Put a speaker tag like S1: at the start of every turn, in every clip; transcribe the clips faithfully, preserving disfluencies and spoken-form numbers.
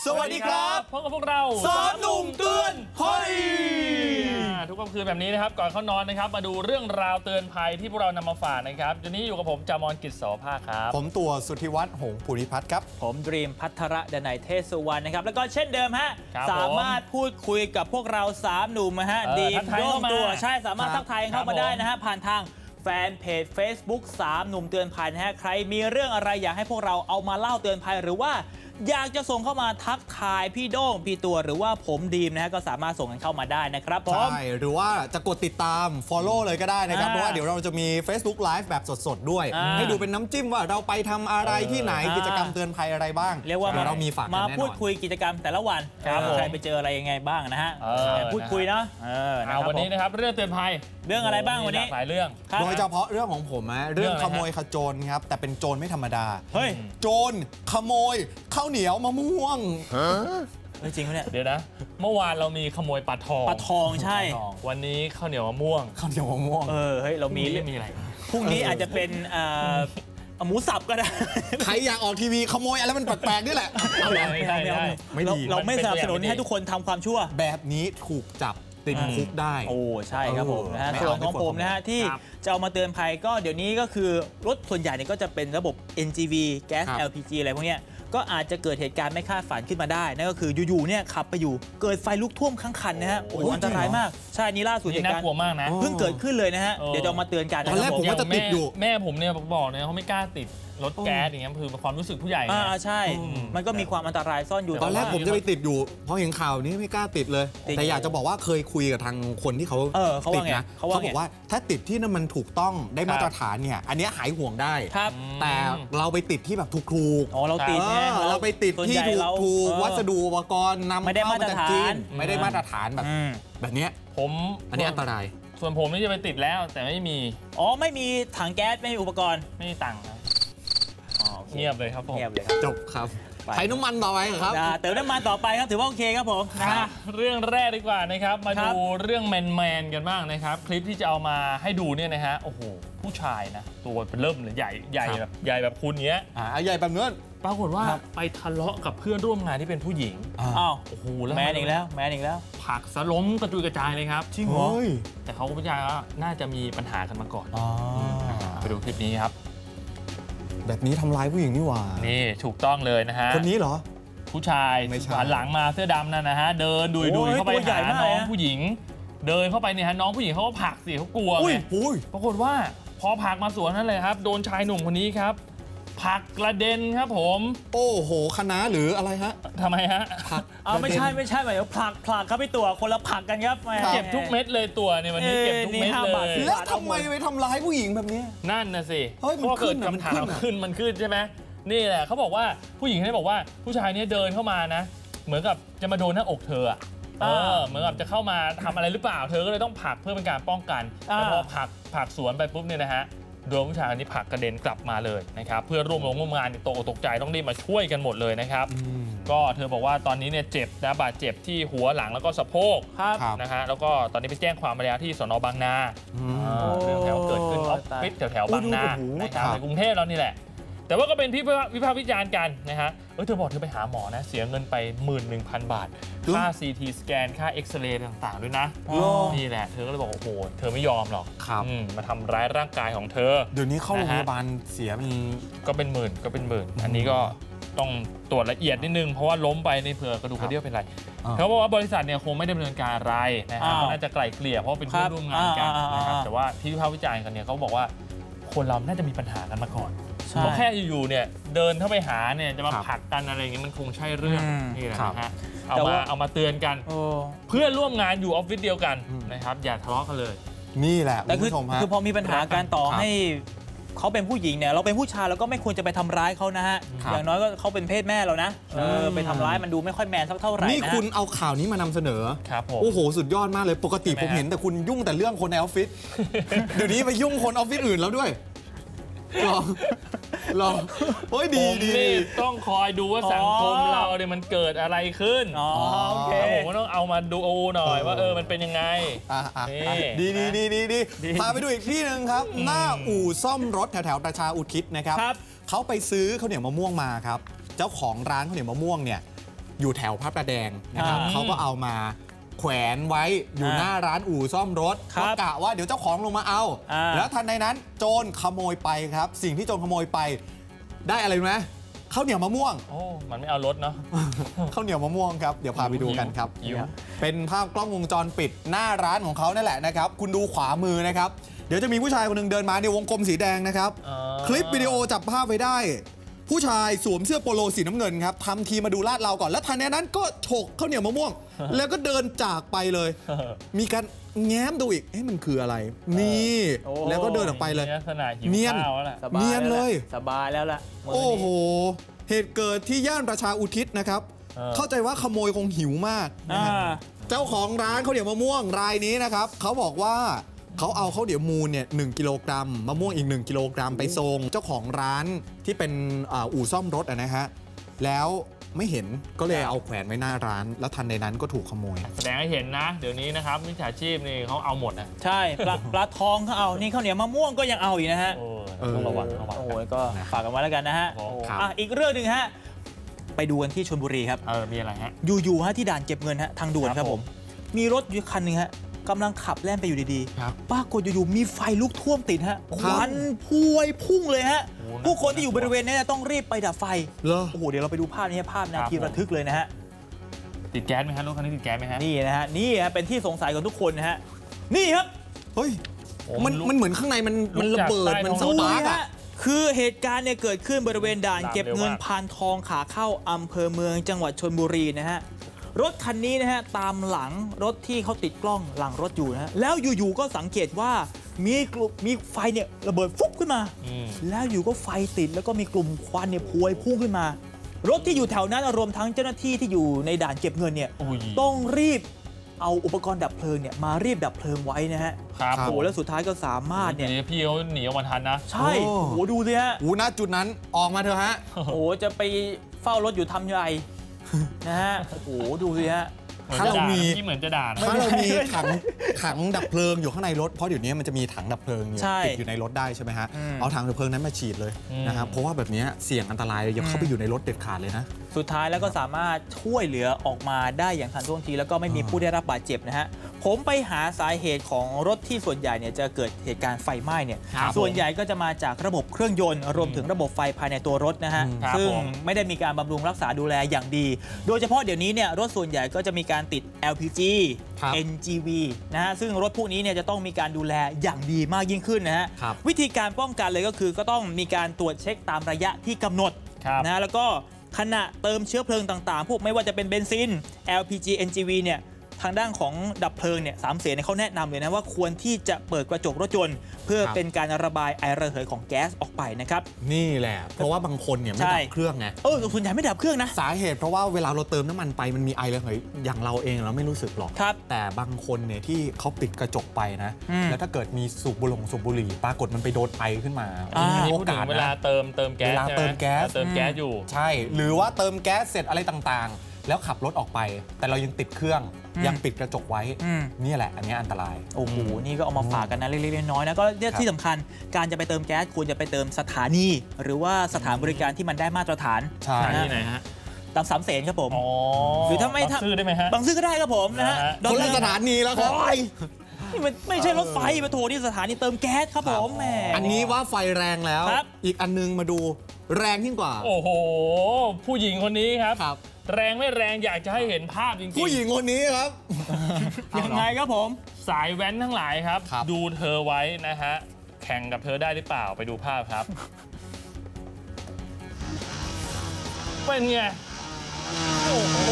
S1: วัสดีครับพบกับพวกเราสามหนุ่มเตือนภัยทุกค่ำคืนแบบนี้นะครับก่อนเข้านอนนะครับมาดูเรื่องราวเตือนภัยที่พวกเรานำมาฝากนะครับวันนี้อยู่กับผมจามอนกิจโสภาครับ
S2: ผมตัวสุทธิวัฒน์หงษ์ภูริพัฒน์ครับ
S3: ผมดรีมพัทระดนัยเทศสุวรรณนะครับแล้วก็เช่นเดิมฮะสามารถพูดคุยกับพวกเราสามหนุ่มฮะดีมโยงตัวใช่สามารถทักทายเข้ามาได้นะฮะผ่านทางแฟนเพจ Facebook สามหนุ่มเตือนภัยนะฮะใครมีเรื่องอะไรอยากให้พวกเราเอามาเล่าเตือนภัยหรือว่าอยากจะส่งเข้ามาทักทายพี่โด้งพี่ตัวหรือว่าผมดีมนะฮะก็สามารถส่งกันเข้ามาได้นะครับผม
S2: ใช่หรือว่าจะกดติดตาม Follow เลยก็ได้นะครับเพราะว่าเดี๋ยวเราจะมี Facebook Live แบบสดๆด้วยให้ดูเป็นน้ำจิ้มว่าเราไปทำอะไรที่ไหนกิจกรรมเตือนภัยอะไรบ้าง
S3: เรียกว่า
S2: เรามีฝาก
S3: มาพูดคุยกิจกรรมแต่ละวันใครไปเจออะไรยังไงบ้างนะฮะพูดคุยเนาะ
S1: วันนี้นะครับเรื่องเตือนภัย
S3: เรื่องอะไรบ้างวันนี้
S1: หลายเรื่อง
S2: โดยเฉพาะเรื่องของผมนะเรื่องขโมยขโจรครับแต่เป็นโจรไม่ธรรมดา
S3: เฮ้ย
S2: โจรขโมยข้าวเหนียวมะม่วง
S3: จริงไหมเนี่ย
S1: เดี๋ยวนะเมื่อวานเรามีขโมยปลาทอง
S3: ปลาทองใช่
S1: วันนี้ข้าวเหนียวมะม่วง
S2: ข้าวเหนียวมะม่วง
S3: เออเฮ้ยเรามี
S1: มีอะไร
S3: พรุ่งนี้อาจจะเป็นหมูสับก็ได้
S2: ใครอยากออกทีวีขโมยอะไรมันแปลกๆนี่แหละ
S1: ไม่ได้
S3: ไม่ดีเราไม่สนับสนุนให้ทุกคนทำความชั่ว
S2: แบบนี้ถูกจับติดคุกได้
S3: โอ้ใช่ครับผมนะฮะส่วนของผมนะฮะที่จะเอามาเตือนภัยก็เดี๋ยวนี้ก็คือรถส่วนใหญ่เนี่ยก็จะเป็นระบบ เอ็น จี วี แก๊ส แอล พี จี อะไรพวกเนี้ยก็อาจจะเกิดเหตุการณ์ไม่คาดฝันขึ้นมาได้นั่นก็คืออยู่ๆเนี่ยขับไปอยู่เกิดไฟลุกท่วมทั้งคันนะฮะโอ้อันตรายมากใช่นี่ล่าสุดเหตุการณ์
S1: น่ากลัวมากนะ
S3: เพิ่งเกิดขึ้นเลยนะฮะเดี๋ยวจะมาเตือนกัน
S2: ตอนแรกผมก็จะติดอยู่
S1: แม่ผมเนี่ยบอกเนี่ยเขาไม่กล้าติดรถแก๊สอย่างเงี้ยคือความรู้สึกผู้ใหญ่
S3: อ่าใช่มันก็มีความอันตรายซ่อนอยู่
S2: ตอนแรกผมจะไปติดอยู่เพราะเห็นข่าวนี้ไม่กล้าติดเลยแต่อยากจะบอกว่าเคยคุยกับทางคนที่เขาติดนะเขาบอกว่าถ้าติดที่นั่นมันถูกต้องได้มาตรฐานเนี่ยอันนี้หายห่วงได้แต่เราไปติดที่แบบถูกๆ
S3: อ๋อเราติด
S2: เราไปติดที่ถูกๆวัสดุอุปกรณ์นำเข้ามาจากจีนไม่ได้มาตรฐานแบบแบบนี้
S1: ผม
S2: อันนี้อันตราย
S1: ส่วนผมนี่จะไปติดแล้วแต่ไม่มี
S3: อ๋อไม่มีถังแก๊สไม่มีอุปกรณ์
S1: ไม่มีตังค์เงียบเลยครับผม
S3: เงียบเลยครับ
S2: จบครับใช้น้ำมันต่อไปครับ
S3: เติมน้ำมันต่อไปครับถือว่าโอเคครับผม
S1: นะเรื่องแรกดีกว่านะครับมาดูเรื่องแมนแมนกันบ้างนะครับคลิปที่จะเอามาให้ดูเนี่ยนะฮะโอ้โหผู้ชายนะตัวเริ่มเลยใหญ่ใหญ่แบบใหญ่แบบคุณเนี้ย
S2: อ่าใหญ่แบบนั้น
S1: ปรากฏว่าไปทะเลาะกับเพื่อนร่วมงานที่เป็นผู้หญิง
S3: อ้าว
S1: โอ้โห
S3: แมนอีกแล้วแมนอีกแล้ว
S1: ผักสล้มกระจุยกระจายเลยครับ
S2: จริงเหรอ
S1: แต่เขาผู้ชายก็น่าจะมีปัญหากันมาก่อนไปดูคลิปนี้ครับ
S2: แบบนี้ทำร้ายผู้หญิงนี่หว่า
S1: นี่ถูกต้องเลยนะฮะ
S2: คนนี้เหรอ
S1: ผู้ชายหันหลังมาเสื้อดำนั่นนะฮะเดินดุยดุยเข้าไปหาน้องผู้หญิงเดินเข้าไปเนี่ยฮะน้องผู้หญิงเขาก็ผลักสิเขากลัวไงปรากฏว่าพอผลักมาสวนนั่นเลยครับโดนชายหนุ่มคนนี้ครับผลักกระเด็นครับผม
S2: โอ้โหคณะหรืออะไรฮะ
S1: ทำไมฮะ
S2: ผลัก
S3: อ๋อไม่ใช่ไม่ใช่หมายถึงผลักผลักครับพี่ตัวคนละผลักกันครับ
S1: เก็บทุกเม็ดเลยตัวเนี่ยวันนี้เก็บทุกเม็ดเลย
S2: แล้วทำไมไปทำร้ายผู้หญิงแบบนี้
S1: นั่นน่ะสิ
S2: เพราะ
S1: เกิดคำถามขึ้นมันขึ้นใช่ไหมนี่แหละเขาบอกว่าผู้หญิงเขาบอกว่าผู้ชายนี้เดินเข้ามานะเหมือนกับจะมาโดนหน้าอกเธอเออเหมือนกับจะเข้ามาทำอะไรหรือเปล่าเธอก็เลยต้องผลักเพื่อเป็นการป้องกันแต่พอผลักผลักสวนไปปุ๊บเนี่ยนะฮะโดนผู้ชายคนนี้ผลักกระเด็นกลับมาเลยนะครับเพื่อร่วมร่วมงานตกตกใจต้องรีบมาช่วยกันหมดเลยนะครับก็เธอบอกว่าตอนนี้เนี่ยเจ็บนะบาดเจ็บที่หัวหลังแล้วก็สะโพกนะฮะแล้วก็ตอนนี้ไปแจ้งความมาแล้วที่สน.บางนาเรื่องแถวเกิดขึ้นออฟฟิศแถวๆบางนานะครับในกรุงเทพเรานี่แหละแต่ว่าก็เป็นที่วิพากษ์วิจารณ์กันนะฮะเออเธอบอกเธอไปหาหมอนะเสียเงินไป หนึ่งหมื่นหนึ่งพัน บาทค่า ซี ที สแกนค่าเอ็กซเรย์ต่างๆด้วยนะนี่แหละเธอก็เลยบอกโอ้โหเธอไม่ยอมหรอกมาทำร้ายร่างกายของเธอ
S2: เดี๋ยวนี้เข้าโรงพยาบาลเสียเป็น
S1: ก็เป็นหมื่นก็เป็นหมื่นอันนี้ก็ต้องตรวจละเอียดนิดนึงเพราะว่าล้มไปในเผื่อกระดูกกระเดี่ยวเป็นไรเขาบอกว่าบริษัทเนี่ยคงไม่ดำเนินการอะไรนะครับน่าจะไกล่เกลี่ยเพราะเป็นเพื่อนร่วมงานกันนะครับแต่ว่าที่วิพากษ์วิจารณ์กันเนี่ยเขาบอกว่าคนเราน่าจะมีปัญหากันมาก่อนเพราะแค่อยู่ๆเนี่ยเดินเข้าไปหาเนี่ยจะมาผลักกันอะไรอย่างเงี้ยมันคงใช่เรื่องนี่แหละนะฮะเอามาเอามาเตือนกันเพื่อนร่วมงานอยู่ออฟฟิศเดียวกันนะครับอย่าทะเลาะกันเลย
S2: นี่แหละ
S3: แต่คือคือพอมีปัญหาการต่อให้เขาเป็นผู้หญิงเนี่ยเราเป็นผู้ชายเราก็ไม่ควรจะไปทำร้ายเขานะฮะอย่างน้อยก็เขาเป็นเพศแม่เรานะเออไปทำร้ายมันดูไม่ค่อยแมนสักเท่าไหร่
S2: นี่คุณเอาข่าวนี้มานำเสนอ
S1: ครับผม
S2: โอ้โหสุดยอดมากเลยปกติผมเห็นแต่คุณยุ่งแต่เรื่องคนในออฟฟิศเดี๋ยวนี้ไปยุ่งคนออฟฟิศอื่นแล้วด้วยลองลองโอ้ยดีดี
S1: ต้องคอยดูว่าสังคมเราเนี่ยมันเกิดอะไรขึ้น
S3: อ๋อโอเค
S1: ผมก็ต้องเอามาดูหน่อยว่าเออมันเป็นยังไง
S2: ดีดีดีดีดีพาไปดูอีกที่หนึ่งครับหน้าอู่ซ่อมรถแถวแถวประชาอุทิศนะครับเขาไปซื้อข้าวเหนียวมะม่วงมาครับเจ้าของร้านข้าวเหนียวมะม่วงเนี่ยอยู่แถวพระประแดงนะครับเขาก็เอามาแขวนไว้อยู่หน้าร้านอู่ซ่อมรถก็กะว่าเดี๋ยวเจ้าของลงมาเอาแล้วทันในนั้นโจรขโมยไปครับสิ่งที่โจรขโมยไปได้อะไรรู้ไหมข้าวเหนียวมะม่วง
S1: โอ้มันไม่เอารถเนาะ
S2: ข้าวเหนียวมะม่วงครับเดี๋ยวพาไปดูกันครับเป็นภาพกล้องวงจรปิดหน้าร้านของเขานั่นแหละนะครับคุณดูขวามือนะครับเดี๋ยวจะมีผู้ชายคนหนึ่งเดินมาในวงกลมสีแดงนะครับคลิปวิดีโอจับภาพไว้ได้ผู้ชายสวมเสื้อโปโลสีน้ำเงินครับทำทีมาดูลาดเราก่อนแล้วทันในนั้นก็ฉกข้าวเหนียวมะม่วงแล้วก็เดินจากไปเลยมีการแง้มดูอีกเอ๊ะมันคืออะไรนี่แล้วก็เดินออกไปเลยเนียนเนียนเลย
S3: สบายแล้วล่ะ
S2: โอ้โหเหตุเกิดที่ย่านประชาอุทิศนะครับเข้าใจว่าขโมยคงหิวมากเจ้าของร้านข้าวเหนียวมะม่วงรายนี้นะครับเขาบอกว่าเขาเอาข้าวเหนียวมูลเนี่ยหนึ่งกิโลกรัมมะม่วงอีกหนึ่งกิโลกรัมไปส่งเจ้าของร้านที่เป็นอู่ซ่อมรถนะฮะแล้วไม่เห็นก็เลยเอาแขวนไว้หน้าร้านแล้วทันในนั้นก็ถูกขโมย
S1: แสดงให้เห็นนะเดี๋ยวนี้นะครับมิจฉาชีพนี่เขาเอาหมดนะ
S3: ใช่ปลาปลาทองเขาเอานี่ข้าวเหนียวมะม่วงก็ยังเอาอีกนะฮะ
S1: ต้องระวังระวัง
S3: โอ้ยก็ฝากกันไว้แล้วกันนะฮะอีกเรื่องหนึ่งฮะไปดูกันที่ชลบุรีครับ
S1: เออมีอะไรฮะ
S3: อยู่ๆฮะที่ด่านเก็บเงินฮะทางด่วนครับผมมีรถอยู่คันหนึ่งฮะกำลังขับแล่นไปอยู่ดีๆปรากฏอยู่ๆมีไฟลุกท่วมติดฮะควันพวยพุ่งเลยฮะผู้คนที่อยู่บริเวณนี้ต้องรีบไปดับไฟโอ้โหเดี๋ยวเราไปดูภาพนี้ภาพนาทีระทึกเลยนะฮะ
S1: ติดแก๊สไหมฮะรถคันนี้ติดแก๊สไหมฮะ
S3: นี่นะฮะนี่ฮะเป็นที่สงสัยของทุกคนนะฮะนี่ครับ
S2: เฮ้ยมันมันเหมือนข้างในมันมันระเบิดมันสปาร์กอะ
S3: คือเหตุการณ์เนี่ยเกิดขึ้นบริเวณด่านเก็บเงินพานทองขาเข้าอำเภอเมืองจังหวัดชลบุรีนะฮะรถคันนี้นะฮะตามหลังรถที่เขาติดกล้องหลังรถอยู่นะฮะแล้วอยู่ๆก็สังเกตว่ามีกลุ่มมีไฟเนี่ยระเบิดฟุบขึ้นมาแล้วอยู่ก็ไฟติดแล้วก็มีกลุ่มควันเนี่ยพวยพุ่งขึ้นมารถที่อยู่แถวนั้นรวมทั้งเจ้าหน้าที่ที่อยู่ในด่านเก็บเงินเนี่ยต้องรีบเอาอุปกรณ์ดับเพลิงเนี่ยมารีบดับเพลิงไว้นะฮะ
S1: ครับ
S3: โอ้แล้วสุดท้ายก็สามารถเนี่ย
S1: พี่เขาหนีออกมาทันนะ
S3: ใช่โอ้ดูสิฮะ
S2: โอ้ณจุดนั้นออกมาเถอะฮะ
S3: โอ้จะไปเฝ้ารถอยู่ทำยังไงนะฮะโอ้โหดูสิฮะ
S2: ถ้าเรามี
S1: ที่เหมือนจะด่า
S2: ถ้าเรามีถังถังดับเพลิงอยู่ข้างในรถเพราะเดี๋ยวนี้มันจะมีถังดับเพลิงอยู่ติดอยู่ในรถได้ใช่ไหมฮะเอาถังดับเพลิงนั้นมาฉีดเลยนะครับเพราะว่าแบบนี้เสี่ยงอันตรายอย่าเข้าไปอยู่ในรถเด็ดขาดเลยนะ
S3: สุดท้ายแล้วก็สามารถช่วยเหลือออกมาได้อย่างทันท่วงทีแล้วก็ไม่มีผู้ได้รับบาดเจ็บนะฮะผมไปหาสาเหตุของรถที่ส่วนใหญ่เนี่ยจะเกิดเหตุการณ์ไฟไหม้เนี่ยส่วนใหญ่ก็จะมาจากระบบเครื่องยนต์รวมถึงระบบไฟภายในตัวรถนะฮะซึ่งไม่ได้มีการบำรุงรักษาดูแลอย่างดีโดยเฉพาะเดี๋ยวนี้เนี่ยรถส่วนใหญ่ก็จะมีการติด แอล พี จี เอ็น จี วี นะฮะซึ่งรถพวกนี้เนี่ยจะต้องมีการดูแลอย่างดีมากยิ่งขึ้นนะฮะวิธีการป้องกันเลยก็คือก็ต้องมีการตรวจเช็คตามระยะที่กำหนดนะแล้วก็ขณะเติมเชื้อเพลิงต่างๆพวกไม่ว่าจะเป็นเบนซิน แอล พี จี เอ็น จี วี เนี่ยทางด้านของดับเพลิงเนี่ยสามเสนเขาแนะนำเลยนะว่าควรที่จะเปิดกระจกรถยนต์เพื่อเป็นการระบายไอระเหยของแก๊สออกไปนะครับ
S2: นี่แหละเพราะว่าบางคนเนี่ยไม่ดับเครื่องไง
S3: เออส่วนใหญ่ไม่ดับเครื่องนะ
S2: สาเหตุเพราะว่าเวลาเราเติมน้ำมันไปมันมีไอระเหยอย่างเราเองเราไม่รู้สึกหรอกแต่บางคนเนี่ยที่เขาปิดกระจกไปนะแล้วถ้าเกิดมีสูบบุหรี่สูบบุหรี่ปรากฏมันไปโดนไอขึ้นมา
S1: โอกาสเวลาเติมเติมแก๊ส
S2: เวลาเติมแก๊ส
S1: เติมแก๊สอยู่
S2: ใช่หรือว่าเติมแก๊สเสร็จอะไรต่างๆแล้วขับรถออกไปแต่เรายังติดเครื่องยังปิดกระจกไว้นี่แหละอันนี้อันตราย
S3: โอ้โหนี่ก็เอามาฝากกันนะเล็กๆน้อยๆนะก็ที่สำคัญการจะไปเติมแก๊สควรจะไปเติมสถานีหรือว่าสถานบริการที่มันได้มาตรฐาน
S2: ใช่
S1: ที่ไหนฮะ
S3: ตามสามเสนครับผม
S1: หรือถ้าไม่ซื้อได้ไหมฮะ
S3: บางซื้อก็ได้ครับผมนะฮะ
S2: คนละสถานีแล้วครับ
S3: นี่มันไม่ใช่รถไฟมาโทรที่สถานีเติมแก๊สครับผมแหม
S2: อันนี้ว่าไฟแรงแล้วอีกอันนึงมาดูแรงยิ่งกว่า
S1: โอ้โหผู้หญิงคนนี้ครับแรงไม่แรงอยากจะให้เห็นภาพจริงๆ
S2: ผู้หญิงคนนี้ครับ
S3: ยังไงครับผม
S1: สายแว้นทั้งหลายครับดูเธอไว้นะฮะแข่งกับเธอได้หรือเปล่าไปดูภาพครับเป็นไงโอ้โห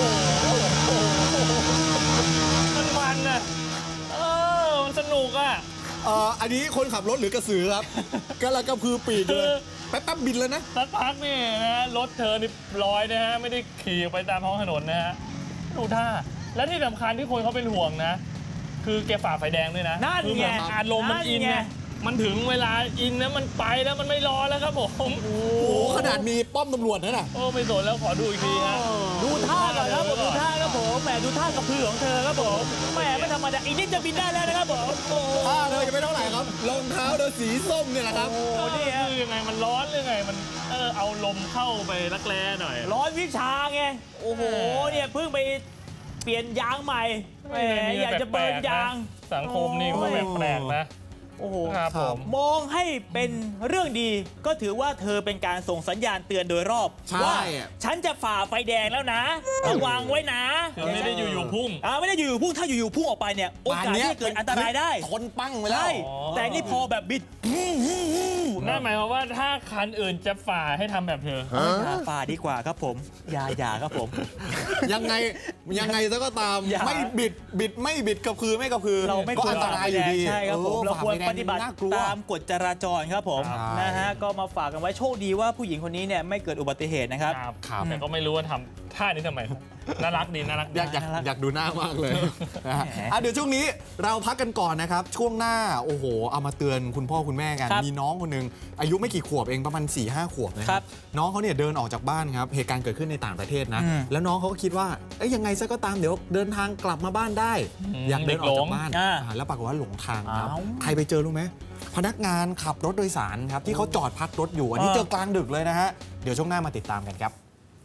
S1: มันมันนะเออมันสนุกอ่ะ
S2: เอออันนี้คนขับรถหรือกระสือครับกำลังกระพือปีกเลยแป๊บๆบินเลยนะ
S1: สักพักนี่นะรถเธอนี่ลอยนะฮะไม่ได้ขี่ไปตามท้องถนนนะฮะดูท่าและที่สำคัญที่คนเขาเป็นห่วงนะคือแกฝ่าไฟแดงด้วยนะ
S3: นั่นไง
S1: อารมณ์มันอินไงมันถึงเวลาอินนะมันไปแล้วมันไม่รอแล้วครับผม
S2: โอ้โหขนาดมีป้อมตำรวจนั่นน่ะ
S1: โอ้ไม่สนแล้วขอดูอีกทีฮะ
S3: ดูท่าก่อนครับผมดูท่าครับผมแหมดูท่ากระพือของเธอครับผมแหมไม่ธรรมดาอีกนิดจะบินได้แล้วนะครับผมโอ้
S2: ท่าเธอจะไม่เท่าไหร่ครับรองเท้าเธอสีส้มเนี่ยแหละครับ
S1: โอ้นี่คือยังไงมันร้อนหรือไงมันเออเอาลมเข้าไปรักแร้หน่อย
S3: ร้อนวิชาไงโอ้โหเนี่ยเพิ่งไปเปลี่ยนยางใหม่แหมอยากจะเบิร์นยาง
S1: สังคมนี่ก็แปลกๆนะ
S3: โอ้โห
S1: ครับผม
S3: มองให้เป็นเรื่องดีก็ถือว่าเธอเป็นการส่งสัญญาณเตือนโดยรอบว่าฉันจะฝ่าไฟแดงแล้วนะระวังไว้นะ
S1: ไม่ได้อยู่ๆพุ่ง
S3: อ่าไม่ได้อยู่ๆพุ่งถ้าอยู่ๆพุ่งออกไปเนี่ยโอกาสที่จะเกิดอันตรายได้
S2: คนปั้งไปแล้ว
S3: แต่นี่พอแบบบิด
S1: นั่นหมายความว่าถ้าคันอื่นจะฝ่าให้ทำแบบเธอ
S3: ฝ่าดีกว่าครับผมอย่าอย่าครับผม
S2: ยังไงยังไงซะก็ตามไม่บิดบิดไม่บิดกระพือไม่กระพือ
S3: เราไม่ควร
S2: อันตรายอยู่ดี
S3: ใช่ครับผมเราควรปฏิบัติตามกฎจราจรครับผมนะฮะก็มาฝากกันไว้โชคดีว่าผู้หญิงคนนี้เนี่ยไม่เกิดอุบัติเหตุนะครับ
S1: แต่ก็ไม่รู้ว่าทำท่านี้ทำไมน่ารักดีน่ารัก
S2: อยากอยากอยากดูหน้ามากเลยอ่ะเดี๋ยวช่วงนี้เราพักกันก่อนนะครับช่วงหน้าโอ้โหเอามาเตือนคุณพ่อคุณแม่กันมีน้องคนนึงอายุไม่กี่ขวบเองประมาณ สี่ห้า ขวบนะครับน้องเขาเนี่ยเดินออกจากบ้านครับเหตุการณ์เกิดขึ้นในต่างประเทศนะแล้วน้องเขาก็คิดว่าเอ้ยยังไงซะก็ตามเดี๋ยวเดินทางกลับมาบ้านได้อยากเดินออกจากบ้านแล้วปรากฏว่าหลงทางครับใครไปเจอรู้ไหมพนักงานขับรถโดยสารครับที่เขาจอดพักรถอยู่อันนี้เจอกลางดึกเลยนะฮะเดี๋ยวช่วงหน้ามาติดตามกันครับ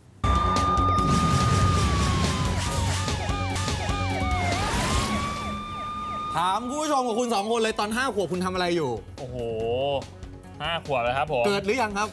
S2: ถามคุณผู้ชมกับคุณสองคนเลยตอนห้าขวบคุณทำอะไรอยู่
S1: โอ้โหห้าขวบแล้วครับผม
S2: เกิดหรือยังครับ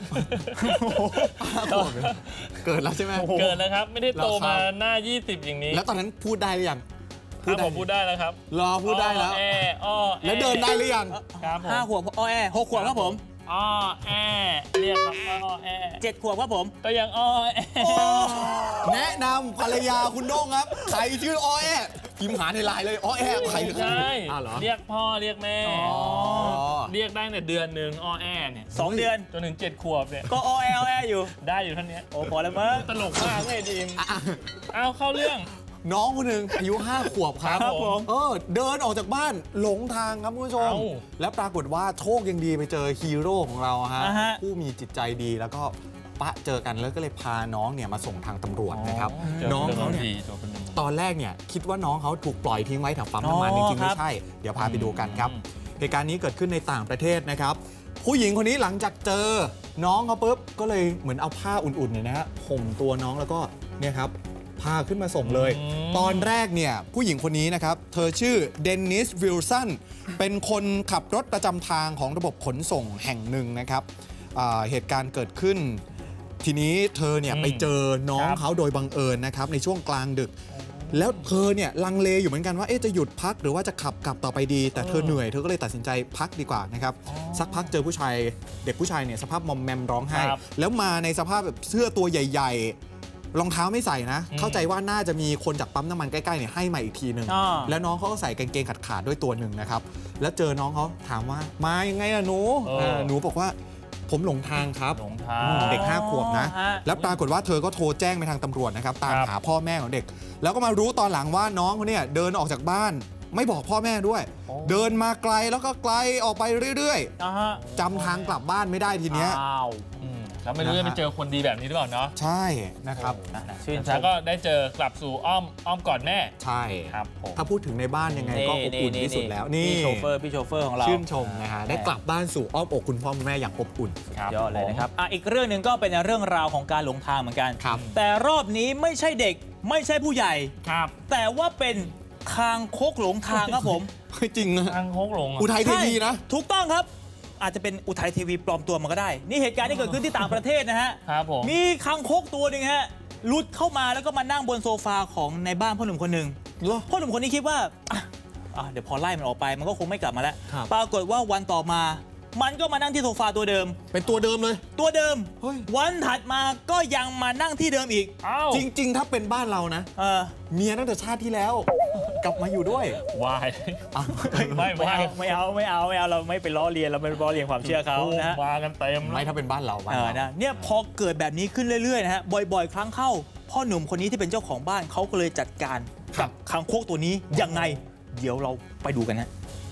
S2: เกิดแล้วใช่ไหม
S1: เกิดแล้วครับไม่ได้โตมาหน้ายี่สิบอย่างนี้
S2: แล้วตอนนั้นพูดได้หรือยัง
S1: พูดได้ผมพูดได้แล้วครับ
S2: รอพูดได้แล้วแล้วเดินได้หรือยัง
S3: ครับห้าขวบอ้อแอหกขวบครับผม
S1: อ้อแอเรียกครับอ้อแอ
S3: เจ็ดขวบครับผม
S1: ก็ยังอ้อแอ
S2: แนะนำภรรยาคุณโด่งครับใครชื่ออ้อแอพิมพ์หาในไลน์เลยอ้อแอใคร
S1: ใช่เรียกพ่อเรียกแม่เรียกได้แต่เดือนหนึ่งอ้อแอเนี่ย
S3: สองเดือน
S1: จนถึงเจ็ดขวบเนี่ย
S3: ก็อ้อแออ้อแออยู่
S1: ได้อยู่ท่านนี้
S3: โอ้พอแล้วมั้ง
S1: ตลกมากเลยดีมเอาเข้าเรื่อง
S2: น้องคนหนึ่งอายุห้าขวบครับผมเออเดินออกจากบ้านหลงทางครับคุณผู้ชมแล้วปรากฏว่าโชคยังดีไปเจอฮีโร่ของเราฮะผู้มีจิตใจดีแล้วก็ปะเจอกันแล้วก็เลยพาน้องเนี่ยมาส่งทางตำรวจนะครับน้องเขาเนี่ยตอนแรกเนี่ยคิดว่าน้องเขาถูกปล่อยทิ้งไว้แถวปั๊มน้ำมันจริงๆไม่ใช่เดี๋ยวพาไปดูกันครับเหตุการณ์นี้เกิดขึ้นในต่างประเทศนะครับผู้หญิงคนนี้หลังจากเจอน้องเขาปุ๊บก็เลยเหมือนเอาผ้าอุ่นๆเนี่ยนะฮะห่มตัวน้องแล้วก็เนี่ยครับพาขึ้นมาส่งเลยตอนแรกเนี่ยผู้หญิงคนนี้นะครับเธอชื่อเดนนิสวิลสันเป็นคนขับรถประจำทางของระบบขนส่งแห่งหนึ่งนะครับเหตุการณ์เกิดขึ้นทีนี้เธอเนี่ยไปเจอน้องเขาโดยบังเอิญนะครับในช่วงกลางดึกแล้วเธอเนี่ยลังเลอยู่เหมือนกันว่าเอ๊ะจะหยุดพักหรือว่าจะขับกลับต่อไปดีแต่เธอเหนื่อยเธอก็เลยตัดสินใจพักดีกว่านะครับสักพักเจอผู้ชายเด็กผู้ชายเนี่ยสภาพมอมแมมร้องไห้แล้วมาในสภาพแบบเสื้อตัวใหญ่รองเท้าไม่ใส่นะเข้าใจว่าน่าจะมีคนจากปั๊มน้ำมันใกล้ๆเนี่ยให้มาอีกทีหนึ่งแล้วน้องเขาก็ใส่กางเกงขาดๆด้วยตัวหนึ่งนะครับแล้วเจอน้องเขาถามว่ามายังไงอะหนูหนูบอกว่าผมหลงทางครับเด็กห้าขวบนะแล้วปรากฏว่าเธอก็โทรแจ้งไปทางตำรวจนะครับตามหาพ่อแม่ของเด็กแล้วก็มารู้ตอนหลังว่าน้องเขาเนี่ยเดินออกจากบ้านไม่บอกพ่อแม่ด้วยเดินมาไกลแล้วก็ไกลออกไปเรื่อยๆจำทางกลับบ้านไม่ได้ทีเนี้ย
S1: แล้วไม่รู้จะไปเจอคนดีแบบนี้หรือเปล่าเนาะ
S2: ใช่นะครับ
S1: ชื่นชมก็ได้เจอกลับสู่อ้อมอ้อมกอดแม่
S2: ใช่ครับถ้าพูดถึงในบ้านยังไงก็อบอุ่นที่สุดแล้วนี่
S3: พี่โชเฟอร์พี่โชเฟอร์ของเรา
S2: ชื่นชมนะฮะได้กลับบ้านสู่อ้อมอกคุณพ่อคุณแม่อย่างอบอุ่น
S3: ยอดเลยนะครับอ่ะอีกเรื่องหนึ่งก็เป็นเรื่องราวของการหลงทางเหมือนกันแต่รอบนี้ไม่ใช่เด็กไม่ใช่ผู้ใหญ่
S1: ครับ
S3: แต่ว่าเป็นคางคกหลงทางครับผม
S2: จริงนะ
S1: คางคกหลง
S2: อุทัยทีวีนะ
S3: ถูกต้องครับอาจจะเป็นอุทัยทีวีปลอมตัวมาก็ได้นี่เหตุการณ์ที่เกิดขึ้นที่ต่างประเทศนะฮะ
S1: ครับผม
S3: มีคางคกตัวหนึ่งฮะหลุดเข้ามาแล้วก็มานั่งบนโซฟาของในบ้านพ่อหนุ่มคนหนึ่งพ่อหนุ่มคนนี้คิดว่าอ่ะเดี๋ยวพอไล่มันออกไปมันก็คงไม่กลับมาแล้วปรากฏว่าวันต่อมามันก็มานั่งที่โซฟาตัวเดิม
S2: เป็นตัวเดิมเลย
S3: ตัวเดิมวันถัดมาก็ยังมานั่งที่เดิมอีก
S2: จริงๆถ้าเป็นบ้านเรานะเมียตั้งแต่ชาติที่แล้วกลับมาอยู่ด้วย
S1: วาย
S3: ไม่ไม่เอาไม่เอาไม่เอาไม่เอาเราไม่ไปล้อเลียนเราไม่ล้อเลียนความเชื่อเขานะ
S1: มากันเต็ม
S2: ไม่ถ้าเป็นบ้านเราบ้านเรา
S3: นะเนี่ยพอเกิดแบบนี้ขึ้นเรื่อยๆนะฮะบ่อยๆครั้งเข้าพ่อหนุ่มคนนี้ที่เป็นเจ้าของบ้านเขาก็เลยจัดการกับคางคกตัวนี้ยังไงเดี๋ยวเราไปดูกันนะ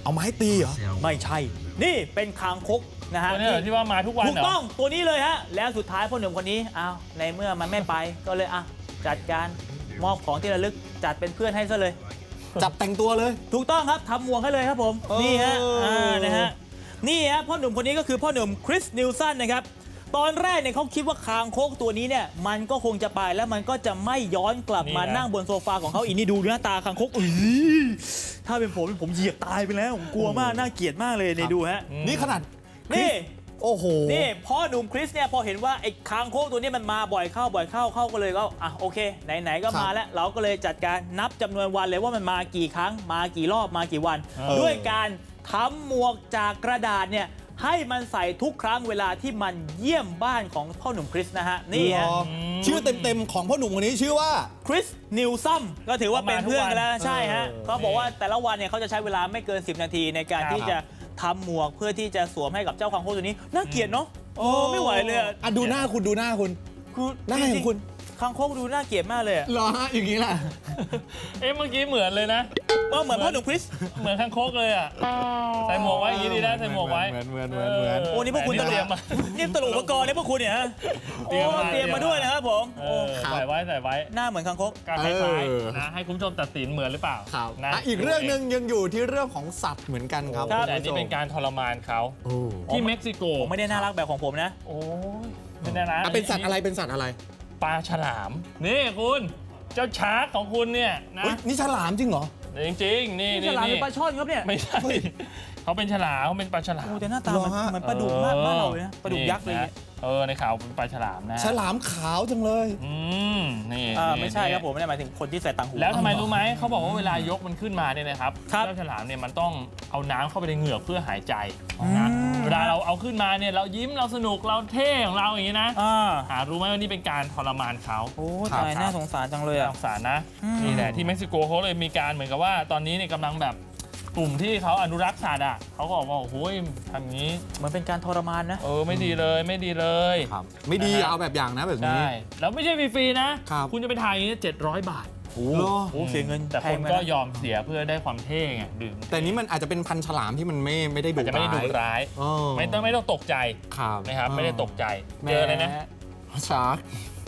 S2: เอาไม้ตีเหรอ
S3: ไม่ใช่นี่เป็นคางคกนะฮะ
S1: ตัวนี้เหรอที่ว่ามาทุกวัน
S3: ถูกต้องตัวนี้เลยฮะแล้วสุดท้ายพ่อหนุ่มคนนี้อ้าวในเมื่อมันไม่ไปก็เลยอ่ะจัดการมอบของที่ระลึกจัดเป็นเพื่อนให้ซะเลย
S2: จับแต่งตัวเลย
S3: ถูกต้องครับทำหมวกให้เลยครับผมนี่ฮะอ่านะฮะนี่ฮะพ่อหนุ่มคนนี้ก็คือพ่อหนุ่มคริสนิลสันนะครับตอนแรกเนี่ยเขาคิดว่าคางคกตัวนี้เนี่ยมันก็คงจะไปแล้วมันก็จะไม่ย้อนกลับมานั่งบนโซฟาของเขาอีกนี่ดูหน้าตาคางคกอุ้ยถ้าเป็นผมผมเหยียบตายไปแล้วผมกลัวมากน่าเกลียดมากเลยนี่ดูฮะ
S2: นี่ขนาด
S3: นี่
S2: โอ้โห
S3: นี่พ่อหนุ่มคริสเนี่ยพอเห็นว่าไอ้คางคกตัวนี้มันมาบ่อยเข้าบ่อยเข้าเข้าก็เลยก็อ่ะโอเคไหนๆก็มาแล้วเราก็เลยจัดการนับจำนวนวันเลยว่ามันมากี่ครั้งมากี่รอบมากี่วันด้วยการทำหมวกจากกระดาษเนี่ยให้มันใส่ทุกครั้งเวลาที่มันเยี่ยมบ้านของพ่อหนุ่มคริสนะฮะนี่ฮะ
S2: ชื่อเต็มๆของพ่อหนุ่มคนนี้ชื่อว่า
S3: คริสนิลซัมก็ถือว่าเป็นเพื่อนกันแล้วใช่ฮะเขาบอกว่าแต่ละวันเนี่ยเขาจะใช้เวลาไม่เกินสิบนาทีในการที่จะทำหมวกเพื่อที่จะสวมให้กับเจ้าคางคกตัวนี้น่าเกลียดเนาะโอ้ไม่ไหวเลยอ่ะ
S2: ดูหน้าคุณดูหน้าคุณ
S3: คือ
S2: หน้าของคุณ
S3: คางคกดูน่าเกลียดมากเลย
S2: เหรอฮะอย่างนี้ล่ะ
S1: เอ๊ะเมื่อกี้เหมือนเลยนะ
S3: ว่าเหมือนพ่อหนุ่มคริส
S1: เหมือนคางคกเลยอ่ะใส่หมวกไว้อย่างนี้ดีนะใส่หมวกไว้
S2: เหมือนเหมือนเหมือนเหมือน
S3: โอ้นี่พวกคุณเตรียมมานี่ตลุอุปกรณ์นี่พวกคุณเนี่ยฮะโอ้เตรียมมาด้วยนะครับผม
S1: ใส่ไว้ใส่ไว้
S3: หน้าเหมือนคางคก
S1: การคล้ายๆนะให้คุณผู้ชมตัดสินเหมือนหรือเปล่า
S2: นะอีกเรื่องนึงยังอยู่ที่เรื่องของสัตว์เหมือนกันครับ
S1: แต่นี่เป็นการทรมานเขาที่เม็กซิโก
S3: ไม่ได้น่ารักแบบของผมนะ
S1: โอ้ไม่ได้นะ
S2: เป็นสัตว์อะไรเป็นสัตว์อะไร
S1: ปลาฉลามนี่คุณเจ้าชาร์กของคุณเนี่ยนะ
S2: นี่ฉลามจริงเหรอ
S1: จริงจริงนี่
S3: ฉลามเป็นปลาช่อนครับเนี่ย
S1: ไม่ใช่เขาเป็นฉลามเขาเป็นปลาฉลาม
S3: โอ้แต่หน้าตาเหมือนปลาดุกมากบ้านเราเลยนะปลาดุกยักษ์เลย
S1: เออในข่าวเป็นปลาฉลามนะ
S2: ฉลามขาวจังเลย
S1: อืมนี่
S3: ไม่ใช่ครับผมไม่ได้หมายถึงคนที่ใส่ต่างหู
S1: แล้วทำไมรู้ไหมเขาบอกว่าเวลายกมันขึ้นมาเนี่ยนะครับเจ้าฉลามเนี่ยมันต้องเอาน้ำเข้าไปในเหงือกเพื่อหายใจนะเวลาเราเอาขึ้นมาเนี่ยเรายิ้มเราสนุกเราเท่ของเราอย่างนี้นะหารู้ไหมว่านี่เป็นการทรมานเขา
S3: โอ้ตายน่าสงสารจังเลยอ่ะ
S1: สงสารนะนี่แหละที่เม็กซิโกเขาเลยมีการเหมือนกับว่าตอนนี้เนี่ยกำลังแบบกลุ่มที่เขาอนุรักษ์สัตว์อ่ะเขาก็บอกว่าโอ้โหทำงี้
S3: เหมือนเป็นการทรมานนะ
S1: เออไม่ดีเลยไม่ดีเลย
S2: ครับไม่ดีเอาแบบอย่างนะแบบนี้
S1: ใช่แล้วไม่ใช่ฟรีๆนะคุณจะไปถ่ายอย่างนี้เจ็ดร้อยบาท
S3: โอ้โหเสียเงิน
S1: แต่คนก็ยอมเสียเพื่อได้ความเท่ไงดื่ม
S2: แต่นี้มันอาจจะเป็นพันฉลามที่มันไม่ไม่ได้ดุร้าย
S1: จะไม่ได้ดุร้ายไม่ต้องไม่ต้องตกใจนะครับไม่ได้ตกใจเจอเลยนะ
S2: ชาร์ก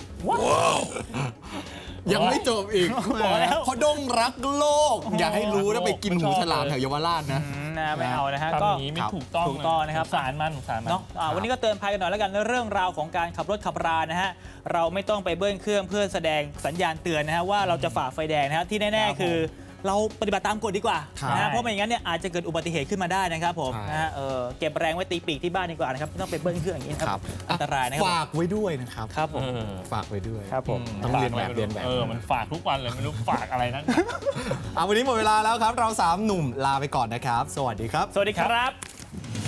S2: ยังไม่จบอีกเพราะดงรักโลกอย่าให้รู้นะไปกินหูฉลามแถวเยาวราชนะ
S3: นะไม่เอานะฮะ
S1: ก็นี้ไม่ถูกต้อง
S3: ถูกต้องนะครับ
S1: สารมันสารมัน
S3: เนาะวันนี้ก็เตือนภัยกันหน่อยแล้วกันเรื่องราวของการขับรถขับรานะฮะเราไม่ต้องไปเบิ้ลเครื่องเพื่อแสดงสัญญาณเตือนนะฮะว่าเราจะฝ่าไฟแดงนะฮะที่แน่ๆคือเราปฏิบัติตามกฎดีกว่านะฮะเพราะไม่อย่างนั้นเนี่ยอาจจะเกิดอุบัติเหตุขึ้นมาได้นะครับผมนะฮะเออเก็บแรงไว้ตีปีกที่บ้านดีกว่านะครับไม่ต้องไปเบิ้ลเครื่องอย่างนี้ครับอันตรายนะครับ
S2: ฝากไว้ด้วยนะครับ
S3: ครับผม
S2: ฝากไว้ด้วย
S3: ครับผม
S2: ต้องเรียนแบบเรียนแบบ
S1: เออมันฝากทุกวันเลยไม่รู้ฝากอะไรนะ
S2: เอาวันนี้หมดเวลาแล้วครับเราสามหนุ่มลาไปก่อนนะครับสวัสดีครับ
S3: สวัสดีครับ